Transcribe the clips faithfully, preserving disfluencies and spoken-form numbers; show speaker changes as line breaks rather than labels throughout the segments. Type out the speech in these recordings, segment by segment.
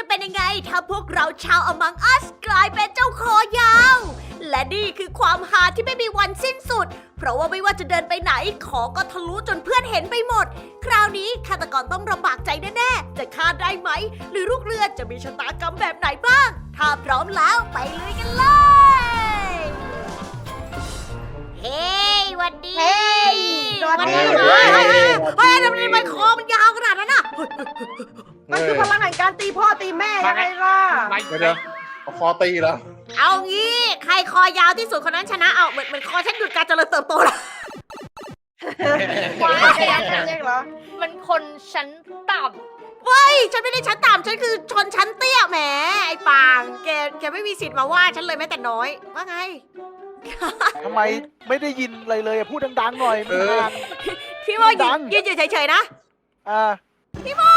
เป็นยังไงถ้าพวกเราชาว Among Us กลายเป็นเจ้าคอยาว และนี่คือความฮาที่ไม่มีวันสิ้นสุด เพราะว่าไม่ว่าจะเดินไปไหนขอก็ทะลุจนเพื่อนเห็นไปหมด คราวนี้ฆาตกรต้องลำบากใจแน่ๆจะฆ่าได้ไหม หรือลูกเรือจะมีชะตากรรมแบบไหนบ้าง ถ้าพร้อมแล้วไปลุยกันเลย เฮ้ยวันดี
เฮ้ยสวัสดี
เฮ้ยเฮ้ยเฮ้ยเฮ้ยทำไมมันคอมันยาวขนาดนั้นน่ะ
มันคือพลังแห่งการตีพ่อตีแม่ยังไงล่ะ
เดี๋ยวเดี๋ยวเอาคอตีแล้ว
เอางี้ใครคอยาวที่สุดคนนั้นชนะเอาเหมือนเหมือนคอฉันหยุดการเจริญเติบโตแล้ว
ว้าวแค่ยังเรียกเหรอ
มันคนชั้นต่
เฮ้ยฉันไม่ได้ชั้นต่ำฉันคือชนชั้นเตี้ยแหมไอ้ปางแกแกไม่มีสิทธิ์มาว่าฉันเลยแม้แต่น้อยว่าไง
ทำไมไม่ได้ยินอะไรเลยอะพูดดังๆหน่อยมันดัง
พี่ว่ายื
ดั
น
ง
ยืนอยู่เฉยๆนะ
อ่า
พี่โม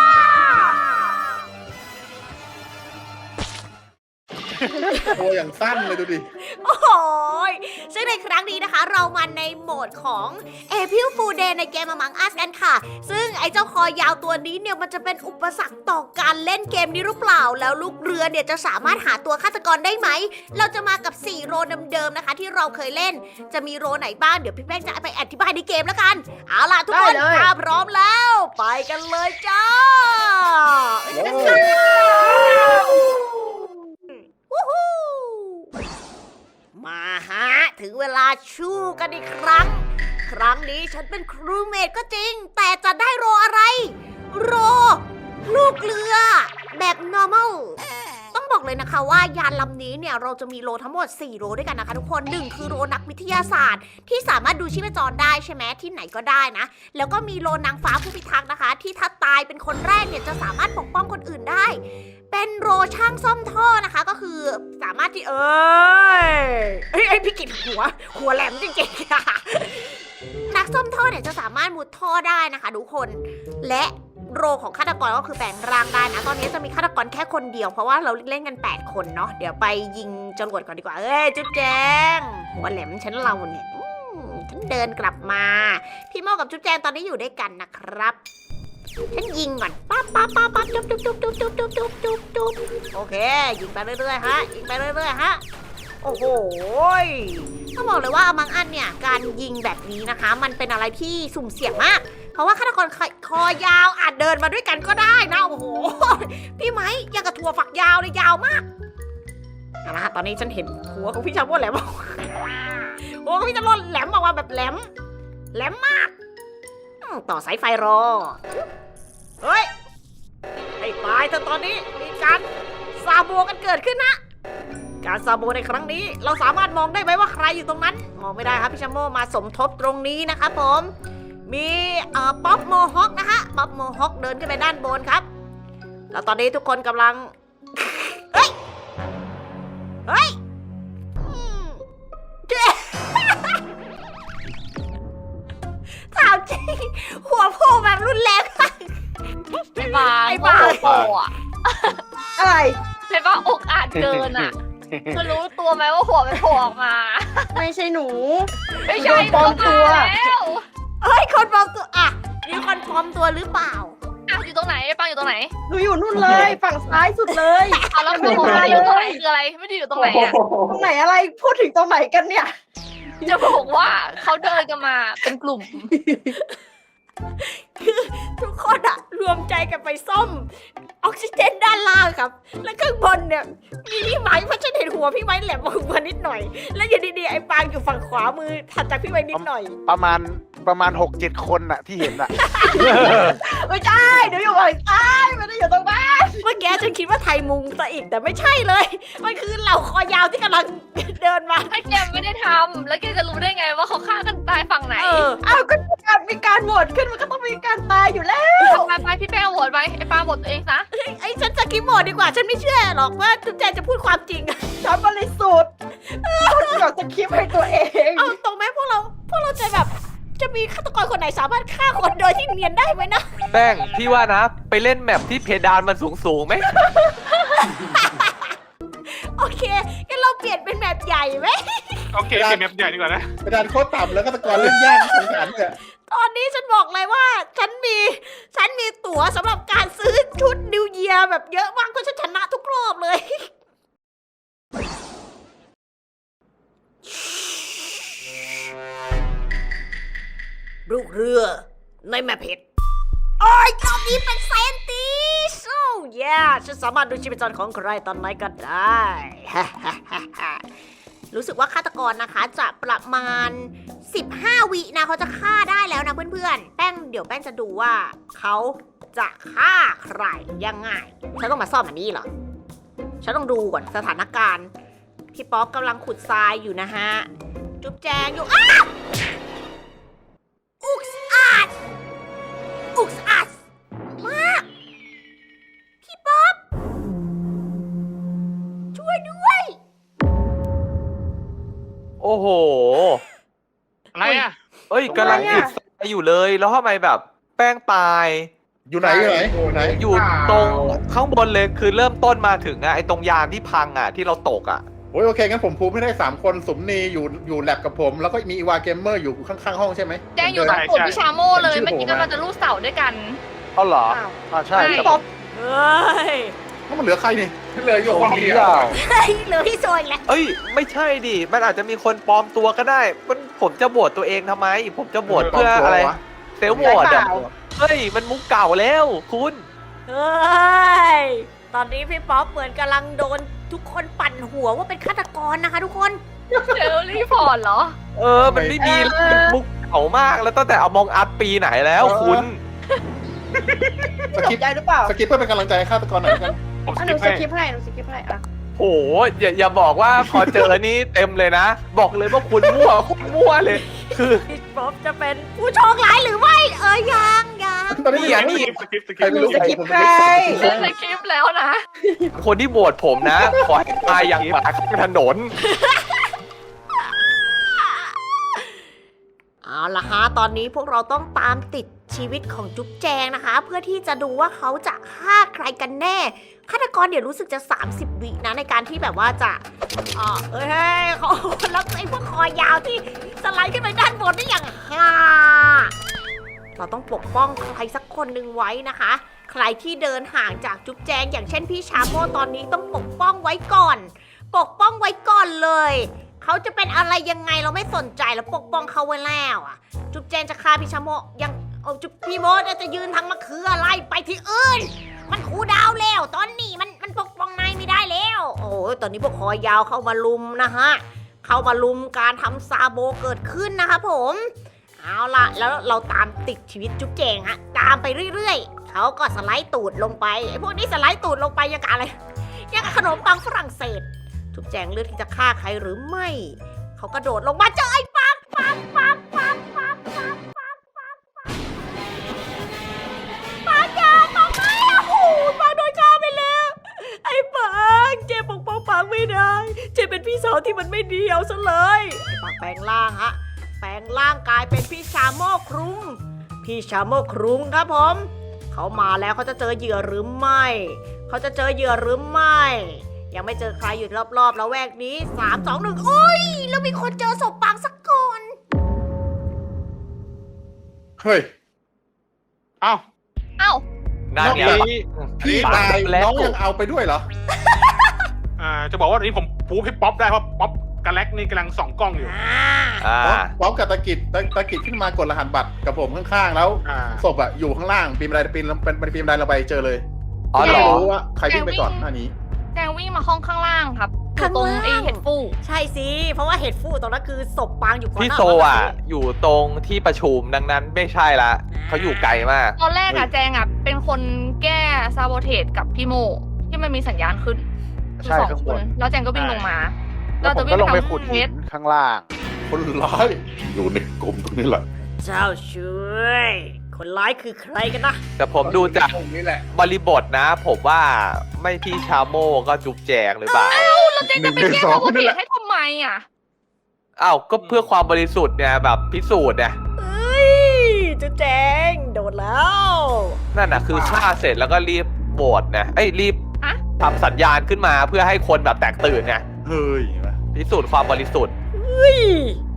ตัวอย่างสั้นเลยดูดิ
โอ้โหยซึ่งในครั้งนี้นะคะ เรามาในโหมดของ April Fool Day ในเกม Among Us กันค่ะ ซึ่งไอ้เจ้าคอยาวตัวนี้เนี่ยมันจะเป็นอุปสรรคต่อการเล่นเกมนี้หรือเปล่า แล้วลูกเรือเนี่ยจะสามารถหาตัวฆาตกรได้ไหม เราจะมากับสี่โรเดิมๆนะคะ ที่เราเคยเล่น จะมีโรไหนบ้าง เดี๋ยวพี่แป้งจะไปอธิบายในเกมแล้วกัน เอาล่ะทุกคนถ้าพร้อมแล้ว ไปกันเลยจ้า วู้ฮู้มาฮะ ถึงเวลาชู้กันอีกครั้ง ครั้งนี้ฉันเป็นครูเมดก็จริง แต่จะได้โรอะไร โร ลูกเรือ แบบ normal ต้องบอกเลยนะคะว่ายานลำนี้เนี่ยเราจะมีโรทั้งหมดสี่โรด้วยกันนะคะทุกคนหนึ่งคือโรนักวิทยาศาสตร์ ที่สามารถดูชีพจรได้ใช่ไหมที่ไหนก็ได้นะ แล้วก็มีโรนางฟ้าผู้พิทักษ์นะคะ ที่ถ้าตายเป็นคนแรกเนี่ยจะสามารถปกป้องคนอื่นได้ เป็นโรช่างซ่อมท่อนะคะก็คือสามารถที่เอ้ยเอ้ยไอ้พี่กิจหัว หัวแหลมจริงๆค่ะนักซ่อมท่อเนี่ยจะสามารถมุดท่อได้นะคะทุกคน และโรของฆาตกรก็คือแปลงร่างได้นะตอนนี้จะมีฆาตกรแค่คนเดียวเพราะว่าเราเล่นกันแปดคนเนาะเดี๋ยวไปยิงจรวดก่อนดีกว่าเอ้ยจุ๊บแจงหัวแหลมฉันเราเนี่ยอืมฉันเดินกลับมาพี่โมกับจุ๊บแจงตอนนี้อยู่ด้วยกันนะครับฉันยิงก่อนปั๊บปั๊บปั๊บปั๊บจุ๊บจุ๊บจุ๊บจุ๊บจุ๊บจุ๊บจุ๊บจุ๊บจุ๊บโอเคยิงไปเรื่อยๆฮะยิงไปเรื่อยๆฮะโอ้โหต้องบอกเลยว่าAmong Usเนี่ยการยิงแบบนี้นะคะ มันเป็นอะไรที่สุ่มเสี่ยงมากเพราะว่าฆาตกรคอยาวอาจเดินมาด้วยกันก็ได้นะโอ้โหพี่ไม้ยังกับถั่วฝักยาวเลยยาวมากเอาละตอนนี้ฉันเห็นหัวของพี่ชาโม่แหลมหัวของพี่ชาโม่แหลมออกมาแบบแหลมแหลมมากต่อสายไฟรอเฮ้ยให้ตายเถอะตอนนี้มีการซาโบกันเกิดขึ้นนะการซาโบในครั้งนี้เราสามารถมองได้ไหมว่าใครอยู่ตรงนั้นมองไม่ได้ครับพี่ชาโม่มาสมทบตรงนี้นะครับผมมีเอ่อป๊อปโมฮอคนะคะป๊อปโมฮอคเดินขึ้นไปด้านบนครับแล้วตอนนี้ทุกคนกำลัง เฮ้ยเฮ้ยอืมเจ๊ถามจริงหัวโผล่แบบรุนแรงมาก
ำไอ้บาง
ไอ้บาง
โผล่อะ
อะไร
ไอ้บางอกอาจเกินอ่ะเธอรู้ตัวไหมว่าหัวมันโผล่ออกมา
ไม่ใช่หนู
ไม่ใช่
โดนปลอมตัว
เข้ามาแล้ว
เฮ้ยคนปลอมตัวอ่ะมีคนปลอมตัวหรือเปล่า
อ้าวอยู่ตรงไหนไอ้บางอยู่ตรงไหน
หนูอยู่นู่นเลย ฝั่งซ้ายสุดเลย
เอาแล้วไม่ได้อยู่ตรงไหนคืออะไรไม่ได้อยู่ตรงไหนอ่ะ
ตรงไหนอะไรพูดถึงตรงไหนกันเนี่ย
จะบอกว่าเขาเดินกันมาเป็นกลุ่ม
คือทุกคนอะรวมใจกันไปซ่อมออกซิเจนด้านล่างครับ แล้วข้างบนเนี่ยมีพี่ไม้เพราะฉันเห็นหัวพี่ไม้แหลมออกมานิดหน่อย แล้วอยู่ดีๆไอ้ปางอยู่ฝั่งขวามือถัดจากพี่ไม้นิดหน่อย
ประมาณประมาณหกเจ็ดคนน่ะที่เห็นน่ะ
ไม่ใช่หนูอยู่ฝั่งซ้ายไม่ได้อยู่ตรงนั้น
เมื่อกี้ฉันคิดว่าไทยมุงซะอีกแต่ไม่ใช่เลย มันคือเหล่าคอยาวที่กำลังเดินมา
ถ้าแกไม่ได้ทำแล้วแกจะรู้ได้ไงว่าเขาฆ่ากันตายฝั่งไหน
เออ
อ้าวก็มีการมีการโหวตขึ้นมันก็ต้องมีการตายอยู่แล้ว
ไปไปพี่แป้งโหวตไปไอ้ปาโหวตตัวเองซะ
ไอ้ฉันสกิปโหมดดีกว่าฉันไม่เชื่อหรอกว่าจุ๊บแจงจะพูดความจริง
ฉันบริสุทธิ์พูดเกี่ยวกับคลิปให้ตัวเอง
เอาตรงไหมพวกเราพวกเราจะแบบจะมีฆาตกรคนไหนสามารถฆ่าคนโดยที่เนียนได้ไหมนะ
แป้งพี่ว่านะ ไปเล่นแมปที่เพดานมันสูงสูงๆไหม
โอเคงั้นเราเปลี่ยนเป็นแบบใหญ่ไหม
โอเคเปลี่ยนแมปใหญ่ดีกว่านะ
กระดานโคตรต่ำแล้วก็ตะกอนเล่นยากสงสารเนี่ย
ตอนนี้ฉันบอกเลยว่า ฉันมี ฉันมีตั๋วสำหรับการซื้อชุดนิวเยียร์แบบเยอะมากเพราะฉันชนะทุกรอบเลย ลูกเรือในแมพเพชรโอ้ยรอบนี้เป็นเซนติสโอ้ยฉันสามารถดูชีพจรของใครตอนไหนก็ได้ รู้สึกว่าฆาตกรนะคะจะประมาณสิบห้าวินะเขาจะฆ่าได้แล้วนะเพื่อนๆ แป้งเดี๋ยวแป้งจะดูว่าเขาจะฆ่าใครยังไง ฉันต้องมาซ่อมอันนี้เหรอ ฉันต้องดูก่อนสถานการณ์ พี่ป๊อปกำลังขุดทรายอยู่นะฮะ จุ๊บแจงอยู่อ้าอุกอาดอุกอาดมาก พี่ป๊อปช่วยด้วย
โอ้โห
อะไรอ่ะ
เอ้ยกำลังขุดทรายอยู่เลย แล้วทำไมแบบแป้งตาย
อยู่ไหนอยู่ไหนอยู่ไหน
อยู่ตรงข้างบนเลยคือเริ่มต้นมาถึงอะไอตรงยานที่พังอะที่เราตกอะ
โอ้ยโอเคงั้นผมพูดไม่ได้สามคนสมนีอยู่อยู่แลบกับผม แล้วก็มีอีวาเกมเมอร์อยู่ข้างๆห้องใช่ไหม
แจงอยู่ตรงกลุ่มพี่ชาโม่เลย
ชื่อ
เมื่อกี้
ผมอะ
กำลังจะลูกเสาด้วยกัน
เอาเหรอ
อ้าว
อ่าใช่
ใช่
แต่
ป๊อป
เฮ้ย
ถ้ามันเหลือใครนี่
เหลืออยู่
ตร
ห้อง
ง
เดี
นี้
ยว
เปล่า
เฮ้ยเหลือพี่โซยแล้ว
เอ้ย ไม่ใช่ดิ มันอาจจะมีคนปลอมตัวก็ได้ มันผมจะบวชตัวเองทำไม ผมจะบวชเพื่ออะไร เซลล์บวช
เป
อะ
ล่า
เฮ้ย มันมุกเก่าแล้วคุณ
เฮ้ย ตอนนี้พี่ป๊อปเหมือนกำลังโดนทุกคนปั่นหัวว่าเป็นฆาตกรนะคะทุกคน
เจอรีพอร์ตเหรอ
เออ มันไม่มีแล้วมันมุกเก่ามาก แล้วตั้งแต่เอามองอัพปีไหนแล้วคุณ
ส
ต
กิ
ก
ป
ใจหรือเปล่า
สกิปเพื่อเป็นกำลังใจให้ฆาตกรหน่อยละกัน
ผม
อ่ะ
ส
หนู
กิป
ส
ให้
กิปให้หนูสกิปให้อ่ะ
โหอย่าอย่าบอกว่าพอเจอนี่เต็มเลยนะ บอกเลยว่าคุณมั่วคุณมั่วเลย คือ
พี่ป๊อปจะเป็นผู้โชคร้ายหรือไม่ เออยังยัง
ตอนนี้
นี่อ่ะนี่
สกิปสกิ
ใคร
ป
ไม่รู้
สกิป
ผม
ใคร
เล่นในคลิปแล้วนะ
คนที่โหวตผมนะ ขอให้ตายอย่างหมาข้างถนน
เอาละฮะ ตอนนี้พวกเราต้องตามติดชีวิตของจุ๊บแจงนะคะ เพื่อที่จะดูว่าเขาจะฆ่าใครกันแน่ ฆาตกรเดี๋ยวรู้สึกจะ สามสิบ วินะในการที่แบบว่าจะอ่าเฮ้ยเฮ้ยเขาแล้วไอ้พวกคอยาวที่สไลด์ขึ้นไปด้านบนนี่อย่างฮ่าเราต้องปกป้องใครสักคนหนึ่งไว้นะคะ ใครที่เดินห่างจากจุ๊บแจงอย่างเช่นพี่ชาโมตอนนี้ต้องปกป้องไว้ก่อน ปกป้องไว้ก่อนเลย เขาจะเป็นอะไรยังไงเราไม่สนใจแล้วปกป้องเขาไว้แล้วอ่ะ จุ๊บแจงจะฆ่าพี่ชาโมยังเอาจุ๊บพี่โมจะยืนทางมะเขืออะไรไปที่อื่น มันคูลดาวน์แล้ว ตอนนี้มันมันปกป้องนายไม่ได้แล้ว โอ้ยตอนนี้พวกคอยาวเข้ามาลุมนะฮะ เข้ามาลุมการทำซาโบเกิดขึ้นนะคะผม เอาล่ะ แล้วเราตามติดชีวิตจุ๊บแจงฮะ ตามไปเรื่อยๆ เขาก็สไลด์ตูดลงไปไอ้พวกนี้สไลด์ตูดลงไปยังกับอะไรยังกับขนมปังฝรั่งเศส จุ๊บแจงเลือกที่จะฆ่าใครหรือไม่ เขากระโดดลงมาเจอไอ้ปังปังปังปังปังปังปังปังปังปังยาปังไม่โอ้โหปังโดนฆ่าไปแล้ว ไอ้ปังเจปกป้องปังไม่ได้ เจเป็นพี่สาวที่มันไม่ดีเอาซะเลย ไอ้ปังแปลงร่างฮะ แปลงร่างกายเป็นพี่ชาโมกครุง พี่ชาโมกครุงครับผม เขามาแล้วเขาจะเจอเหยื่อหรือไม่ เขาจะเจอเหยื่อหรือไม่ ยังไม่เจอใครอยู่รอบๆแล้วแวกนี้สามสองหนึ่งโอ้ยแล้วมีคนเจอศพปังสักคน
เฮ้ย
เอ้า
เอ้า
นั่นไง
นอกจาก พี่ตายน้องยังเอาไปด้วยเหรอ
อ่าจะบอกว่าตอนนี้ผมปูให้ป๊อปได้เพราะป๊อปกับแล็กนี่กำลังส่องกล้องอยู่
อ่า
อ่า
พร้อมกับตะกิดตะตะกิดขึ้นมากดรหัสบัตรกับผมข้างๆ แล้ว
อ่า
ศพอะอยู่ข้างล่างปีนบันไดปีนเป็นปีนบันไดเราไปเจอเลย
อ๋อเหรอ
ไม่รู้ว่าใครวิ่งไปก่อนหน้านี้
แจงวิ่งมาห้องข้างล่างครับอยู่
ข้าง
ตรง
ล่าง
ไอเห็ดฟู
ใช่สิ เพราะว่าเห็ดฟูตรงนั้นคือศพปังอยู่ก่อน
พี่
หน้า
โซ
นั้น
อ่ะ
สิ
อยู่ตรงที่ประชุมดังนั้นไม่ใช่ละเขาอยู่ไกลมาก
ตอนแรกอะ
เฮ้ย
แจงอะเป็นคนแก้ซาโบเทสกับพี่โมที่มันมีสัญญาณขึ้นคือ
ใช่
สอง
ข้าง
ค
บ
น
น
แล้วแจงก็วิ่งลงมา
แล้วผมก็ลงไปขุดหินข้างล่าง
คนร้ายอยู่ในกลุ่มตรงนี้แหละ
เจ้าช่วย คนร้ายคือใครกันนะ
แต่ผมดูจาก
ตรงนี้แหละ
บริบทนะ ผมว่าไม่พี่ชาโมก็จุ๊บแจงหรือเปล่า
แล้วแจงจะไปแก้ซาโบเทสให้ทำไมอะ
อ้าวก็เพื่อความบริสุทธิ์เนี่ยแบบพิสูจน์เนี่ย
เอ้ยจุ๊บแจงโดนแล้ว
นั่นน่ะคือฆ่าเสร็จแล้วก็รีบโหวตนะเอ้ยรีบทำสัญญาณขึ้นมาเพื่อให้คนแบบแตกตื่นไง
เฮ้ย
พิสูจน์ความบริสุทธิ์
เฮ้ย
ท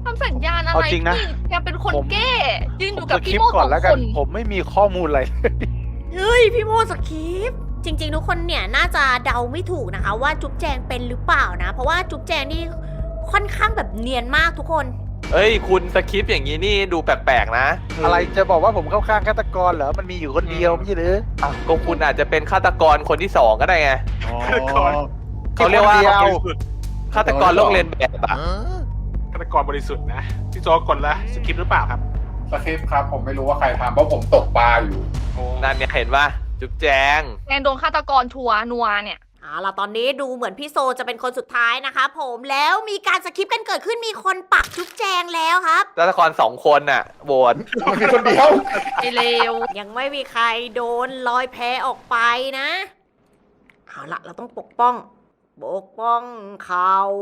ำสัญญาณอะไร
เอาจริงนะ
พี่แกเป็นคน
ผม
แก้ยืน
ผ
อยู่
ม
กับ
สค
พี่
ริป
โม
ต์ก่
ส
อ
อน ง
แล้วกั
คน น
ผมไม่มีข้อมูลอะไร
เฮ้ยพี่โมสคริปต์จริง ๆ ทุกคนเนี่ยน่าจะเดาไม่ถูกนะคะ ว่าจุ๊บแจงเป็นหรือเปล่านะ เพราะว่าจุ๊บแจงนี่ค่อนข้างแบบเนียนมากทุกคน
เอ้ย คุณสคริปต์อย่างนี้นี่ดูแปลกๆนะ
อะไรจะบอกว่าผมเข้าข้างฆาตกรเหรอ มันมีอยู่คนเดียวไม่ใช่หรือ
อ่ะก็คุณอาจจะเป็นฆาตกรคนที่สองก็ได้ไง
อ๋อ
เขาเรียกว่า
คนเดียว
ฆาตกรโลกเรียนแบบอะ
ฆาตกรบริสุทธิ์นะพี่โจกดละสคริปต์หรือเปล่าครับ
สคริปต์ครับผมไม่รู้ว่าใครทำเพราะผมตกปลาอยู่
โอ้
นั่นเนี่ยเห็นปะจุ๊บแจง
แกโดนฆาตกรชัวร์นัวเนี่ย
เอาล่ะตอนนี้ดูเหมือนพี่โซจะเป็นคนสุดท้ายนะคะผมแล้วมีการสคริปต์กันเกิดขึ้นมีคนปักจุ๊บแจงแล้วครับ
ฆาตกรสองคนน่ะโหวต
มันมีคนเดียว
ไอเลว
ยังไม่มีใครโดนลอยแพออกไปนะ เอาละเราต้องปกป้อง ปกป้องเขา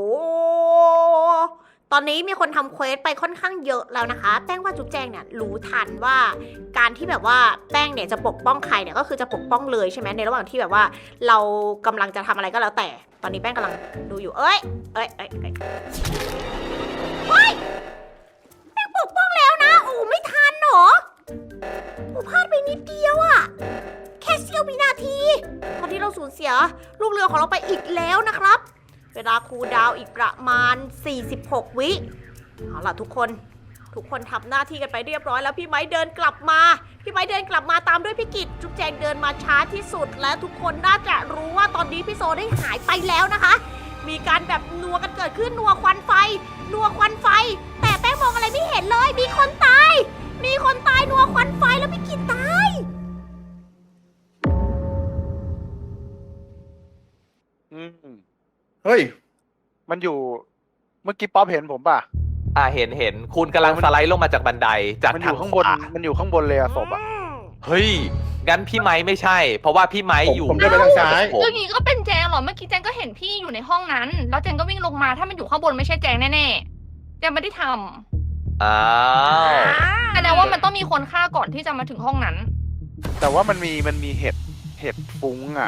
ตอนนี้มีคนทำเควสไปค่อนข้างเยอะแล้วนะคะ แป้งว่าจุ๊บแจงเนี่ยรู้ทันว่าการที่แบบว่าแป้งเนี่ยจะปกป้องใครเนี่ยก็คือจะปกป้องเลยใช่ไหมในระหว่างที่แบบว่า เรากำลังจะทำอะไรก็แล้วแต่ ตอนนี้แป้งกำลังดูอยู่ เอ้ย เอ้ยเอ้ยเอ้ยเฮ้ยแป้งปกป้องแล้วนะ โอ้ไม่ทันเหรอโอ้พลาดไปนิดเดียวอะแค่เสี้ยววินาที ตอนนี้เราสูญเสียลูกเรือของเราไปอีกแล้วนะครับ เวลาคูลดาวน์อีกประมาณ สี่สิบหก วิ เอาล่ะทุกคน ทุกคนทำหน้าที่กันไปเรียบร้อยแล้วพี่ไม้เดินกลับมา พี่ไม้เดินกลับมาตามด้วยพี่กิจจุ๊บแจงเดินมาช้าที่สุดและทุกคนน่าจะรู้ว่าตอนนี้พี่โซได้หายไปแล้วนะคะ มีการแบบนัวกันเกิดขึ้นนัวควันไฟ นัวควันไฟ แต่แป้งมองอะไรไม่เห็นเลย มีคนตาย มีคนตายนัวควันไฟแล้วพี่กิจตาย
อืม
เฮ้ย
มันอยู่ เมื่อกี้ป๊อปเห็นผมป่ะ
อ่าเห็นเห็นคุณกำลังสไลด์ลงมาจากบันไดจาก
มันอ
ทาง
ยู่ข้าง
ข
บน
วา
มันอยู่ข้างบนเลยอะศพอะ
เฮ้ยงั้นพี่ไม้ไม่ใช่ เพราะว่าพี่ไม้
ผม
อยู่
ผมเดินไปทางซ้าย
ผม
เรื่องนี้ก็เป็นแจงเหรอ เมื่อกี้แจงก็เห็นพี่อยู่ในห้องนั้น แล้วแจงก็วิ่งลงมา ถ้ามันอยู่ข้างบนไม่ใช่แจงแน่ๆ แจงไม่ได้ท
อ้าว
ำแสดงว่ามันต้องมีคนฆ่าก่อนที่จะมาถึงห้องนั้น
แต่ว่ามันมีมันมีเห็ดเห็ดฟุ้งอะ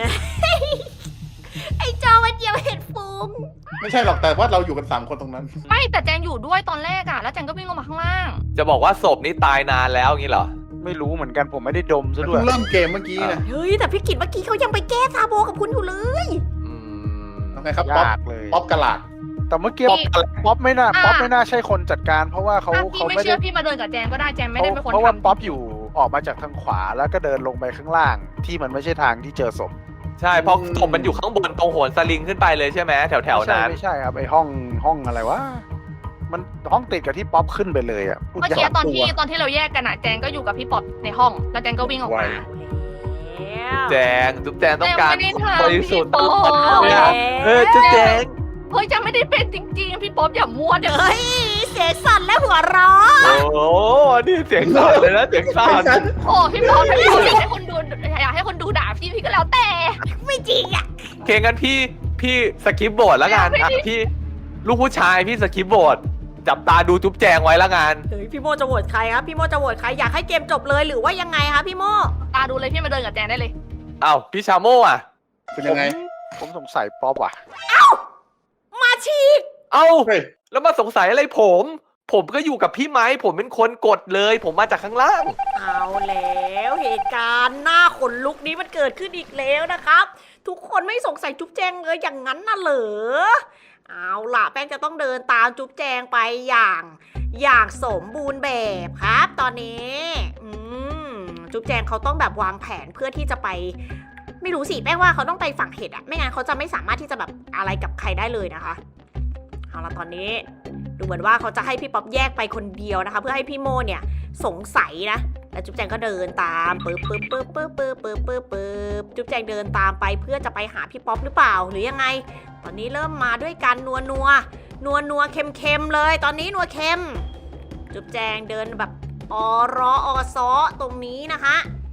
ไอ้จอมันเดียวเห็นฟุ้ง
ไม่ใช่หรอกแต่ว่าเราอยู่กันสามคนตรงนั้น
ไม่แต่แจงอยู่ด้วยตอนแรกอะแล้วแจงก็วิ่งลงมาข้างล่าง
จะบอกว่าศพนี้ตายนานแล้วงี้เหรอ
ไม่รู้เหมือนกันผมไม่ได้ดมซะด้ว
เพิ่
ย
งเริ่มเกมเมื่อกี้นะ
เฮ้ยแต่พี่กิจเมื่อกี้เขายังไปแก้ซาโบกับคุณอยู่เลย
อืม
ทำไงครับป๊อป
ยากเลย
ป๊อปกระหลาด
แต่เมื่อกี้
ป๊อป
ป๊อปไม่น่า
อ่า
ป๊อปไม่น่าใช่คนจัดการ เพราะว่าเขา
ถ้าพี่
เขา
ไม่
ไม่
เชื่
ได้
อพี่มาเดินกับแจงก็ได้แจงไม่
เขา
ได้เป็นคน
เพราะว่า
ทำ
ป๊อปอยู่ออกมาจากทางขวาแล้วก็เดินลงไปข้างล่าง ที่มันไม่ใช่ทางที่เจอศพ
ใช่เพราะศพมันอยู่ข้างบนตรงโหนสลิงขึ้นไปเลยใช่ไหมแถวแถวๆ
ไม่ใช่
นั้น
ไม่ใช่ครับไอห้องห้องอะไรวะมันห้องติดกับที่ป๊อปขึ้นไปเลยอะพูด
เมื่อกี้
ยาก
ตอนที่ตอนที่เราแยกกันอะแจงก็อยู่กับพี่ป๊อปในห้อง แล้วแจงก็วิ่งออกมา
แจงจุ๊บแจงต้องการ
แจงไม่ได้ทำ
บริสุทธิ์
พี่
ต
ป๊อป
ลอดเนี่ยเฮ้ยจุ๊บแจง
เฮ้ยแจงไม่ได้เป็นจริงๆ พี่ป๊อปอย่ามั่วเด้อ
เฮ้ยเสียงสั่นและหัวเราะ
โอ้โหนี่เสียงสั่นเลยนะเสียงสั่น
โอ้พี่ป๊อปถ้าพี่ป๊อปอยากให้คนดูอยากให้คนดูด่าพี่พี่ก็แล้วแต่
ไม่จริงอ่ะ
โอเคงั้นพี่พี่สกิปโบดแล้วกัน
ไม่
อ่ะ
ได้
พี่ลูกผู้ชายพี่สกิปโบดจับตาดูจุ๊บแจงไว้แล้วกัน
เฮ้ยพี่โมจะโหวตใครครับพี่โมจะโหวตใครอยากให้เกมจบเลยหรือว่ายังไงคะพี่โม
ตาดูเลยพี่มาเดินกับแจงได้เลย
อ้าวพี่ชาโม่อะ
เป็นยังไง
ผมสงสัยป๊อปว่ะ
มาฉีก
เอ้า
เฮ้ย
แล้วมาสงสัยอะไรผม ผมก็อยู่กับพี่ไม้ผมเป็นคนกดเลย ผมมาจากข้างล่าง
เอาแล้วเหตุการณ์หน้าขนลุกนี้มันเกิดขึ้นอีกแล้วนะครับ ทุกคนไม่สงสัยจุ๊บแจงเลยอย่างนั้นน่ะเหรอเอาล่ะแป้งจะต้องเดินตามจุ๊บแจงไปอย่างอย่างสมบูรณ์แบบครับ ตอนนี้อืมจุ๊บแจงเขาต้องแบบวางแผนเพื่อที่จะไป ไม่รู้สิแป้งว่าเขาต้องไปฝั่งเห็ดอะไม่งั้นเขาจะไม่สามารถที่จะแบบอะไรกับใครได้เลยนะคะเอาล่ะตอนนี้ดูเหมือนว่าเขาจะให้พี่ป๊อปแยกไปคนเดียวนะคะ เพื่อให้พี่โมเนี่ยสงสัยนะแล้วจุ๊บแจงก็เดินตามปึ๊บปึ๊บปึ๊บปึ๊บปึ๊บปึ๊บปึ๊บปึ๊บจุ๊บแจงเดินตามไปเพื่อจะไปหาพี่ป๊อปหรือเปล่าหรือยังไง ตอนนี้เริ่มมาด้วยการนัวนัวนัวนัวเค็มเค็มเลย ตอนนี้นัวเค็มจุ๊บแจงเดินแบบออรออซอตรงนี้นะคะ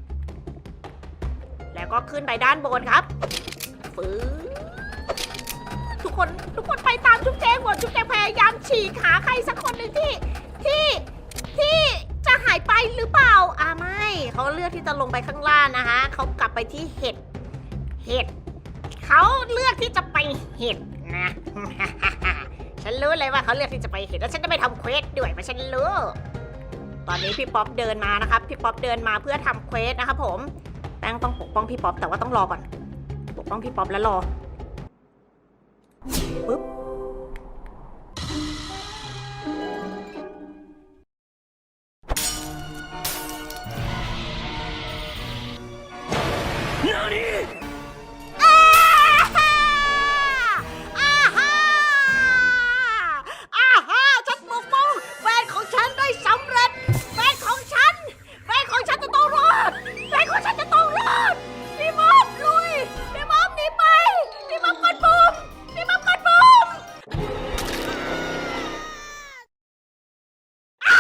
แล้วก็ขึ้นไปด้านบนครับฟื้ทุกคนทุกคนไปตามจุ๊บแจงหมดจุ๊บแจงพยายามฉีกหาใครสักคนหนึ่งที่ที่ที่จะหายไปหรือเปล่าอ่าไม่เขาเลือกที่จะลงไปข้างล่างนะคะเขากลับไปที่เห็ดเห็ดเขาเลือกที่จะไปเห็ดนะฉันรู้เลยว่าเขาเลือกที่จะไปเห็นแล้วฉันจะไม่ทำเควสด้วยมาฉันรู้ ตอนนี้พี่ป๊อปเดินมานะครับ พี่ป๊อปเดินมาเพื่อทำเควสนะครับผม แป้งต้องปกป้องพี่ป๊อปแต่ว่าต้องรอก่อน ปกป้องพี่ป๊อปแล้วรอ ปึ๊บ อ่าฮ่าอ่าฮ่าอ่าฮ่าฉันปกป้องแฟนของฉันได้สำเร็จ แฟนของฉัน แฟนของฉันจะต้องรอด แฟนของฉันจะต้องรอด พี่บ๊อบลุย พี่บ๊อบหนีไป พี่บ๊อบกดปุ่มพี่บ๊อบกดปุ่มอ่า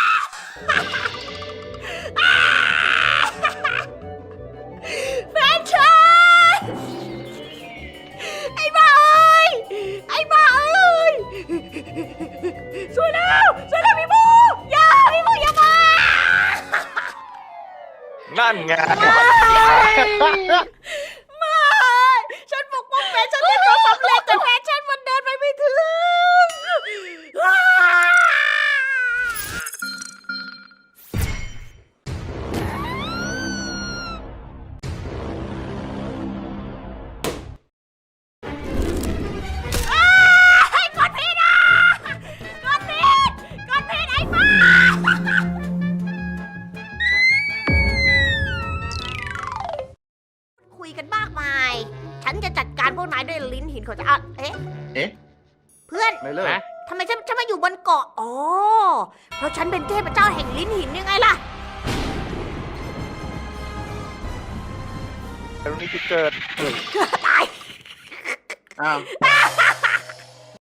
อ่าแฟนฉัน ไอ้บ้าเอ้ย ไอ้บ้าเอ้ยช่วยแล้วช่วยแล้วพี่บูอย่าพี่บูอย่ามา
นั่นไง
ไม่ฉันปกป้องแฟนฉันได้ก็สำเร็จแต่แฟนฉันมันเดินไปไม่ถึงอ้าอ้ายกดผิดอ่ะกดผิดกดผิดไอ้บ้า คุยกันมากมาย ฉันจะจัดการพวกนายด้วยลิ้นหินของจะอ่ะเอ๊ะ
เอ๊ะ
เพื่อน
ไม่เลิก
ทำไมฉันฉันมาอยู่บนเกาะ อ๋อ เพราะฉันเป็นเทพเจ้าแห่งลิ้นหินยังไงล่ะ
ตรงนี้จุดเกิด
ตาย
อ้าว